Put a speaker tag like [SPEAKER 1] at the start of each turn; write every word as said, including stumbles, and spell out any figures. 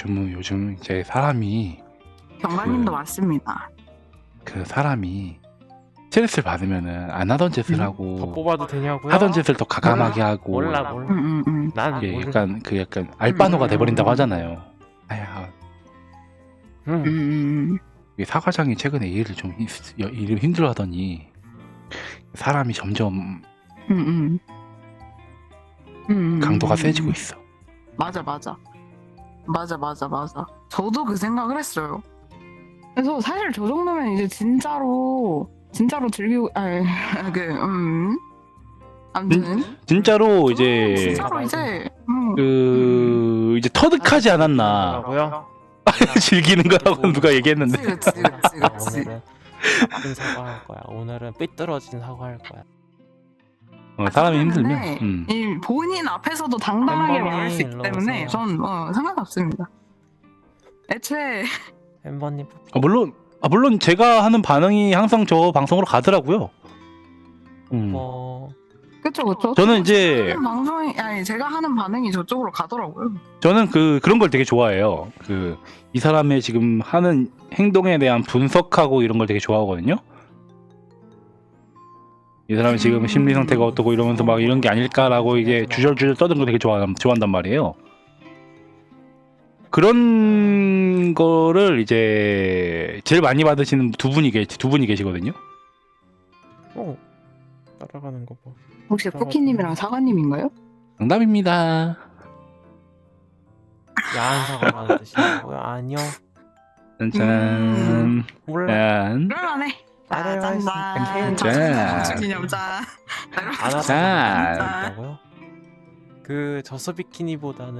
[SPEAKER 1] 요즘은 요즘 이제 사람이
[SPEAKER 2] 경관님도
[SPEAKER 1] 그-
[SPEAKER 2] 맞습니다.
[SPEAKER 1] 그 사람이 스트레스를 받으면은 안 하던 짓을
[SPEAKER 2] 음.
[SPEAKER 3] 더
[SPEAKER 1] 하고
[SPEAKER 3] 뽑아도 되냐고요?
[SPEAKER 1] 하던 짓을 더 가감하게 하고
[SPEAKER 3] 몰라 몰라.
[SPEAKER 2] 음, 음, 음.
[SPEAKER 3] 난
[SPEAKER 1] 이게
[SPEAKER 3] 모르.
[SPEAKER 1] 약간 그 약간 알바노가
[SPEAKER 2] 음, 음,
[SPEAKER 1] 돼버린다고
[SPEAKER 2] 음.
[SPEAKER 1] 하잖아요. 아야,
[SPEAKER 2] 음,
[SPEAKER 3] 음.
[SPEAKER 2] 음,
[SPEAKER 1] 이 사과장이 최근에 일을 좀 힘- 일을 힘들어하더니 사람이 점점
[SPEAKER 2] 음, 음. 음, 음,
[SPEAKER 1] 강도가
[SPEAKER 2] 음,
[SPEAKER 1] 세지고
[SPEAKER 2] 음.
[SPEAKER 1] 있어.
[SPEAKER 2] 맞아, 맞아. 맞아, 맞아, 맞아. 저도 그 생각을 했어요. 그래서 사실 저 정도면 이제 진짜로, 진짜로 즐기고, 아니, 그, 음. 아무튼.
[SPEAKER 1] 진짜로
[SPEAKER 2] 저
[SPEAKER 1] 이제
[SPEAKER 2] 진짜로 이제, 음,
[SPEAKER 1] 그 이제 터득하지 않았나.
[SPEAKER 3] 뭐라고요?
[SPEAKER 1] 즐기는 거라고 누가 얘기했는데.
[SPEAKER 2] 그치, 그치, 그치, 그치.
[SPEAKER 3] 오늘은 나쁜 사과할 거야. 오늘은 삐뚤어진 사과할 거야.
[SPEAKER 1] 어, 사람이 힘들면.
[SPEAKER 2] 때문에
[SPEAKER 1] 음.
[SPEAKER 2] 이 본인 앞에서도 당당하게
[SPEAKER 3] 햄버니,
[SPEAKER 2] 말할 수 있기
[SPEAKER 3] 일로
[SPEAKER 2] 때문에
[SPEAKER 3] 오세요.
[SPEAKER 2] 전 어, 상관없습니다. 애초에
[SPEAKER 3] 햄버님
[SPEAKER 1] 아, 물론 아, 물론 제가 하는 반응이 항상 저 방송으로 가더라고요. 음.
[SPEAKER 3] 뭐
[SPEAKER 2] 그쵸 그쵸.
[SPEAKER 1] 저는
[SPEAKER 2] 저도
[SPEAKER 1] 이제-
[SPEAKER 2] 제가 하는 방송이 아니 제가 하는 반응이 저쪽으로 가더라고요.
[SPEAKER 1] 저는 그 그런 걸 되게 좋아해요. 그 이 사람의 지금 하는 행동에 대한 분석하고 이런 걸 되게 좋아하거든요. 이 사람이 지금
[SPEAKER 2] 음.
[SPEAKER 1] 심리 상태가 어떻고 이러면서 막 이런 게 아닐까라고 이게 주절주절 떠드는 거 되게 좋아 좋아한단 말이에요. 그런 거를 이제 제일 많이 받으시는 두 분이 계, 두 분이 계시거든요.
[SPEAKER 3] 어 따라가는 거 봐.
[SPEAKER 2] 혹시 쿠키님이랑 사과님인가요?
[SPEAKER 1] 정답입니다.
[SPEAKER 3] 야한 사과라는 뜻이냐고요? 아니요.
[SPEAKER 1] 짠짠.
[SPEAKER 2] 음.
[SPEAKER 3] 몰라.
[SPEAKER 1] 짠.
[SPEAKER 2] 그럴만해. 자,
[SPEAKER 3] 따라와
[SPEAKER 2] 짠,
[SPEAKER 3] 있으니까
[SPEAKER 2] 짠.
[SPEAKER 1] 짠.
[SPEAKER 2] 짠. 기념 짠.
[SPEAKER 3] 안 하다
[SPEAKER 1] 짠.
[SPEAKER 3] 보니까 있다고요? 그 저수 비키니보다는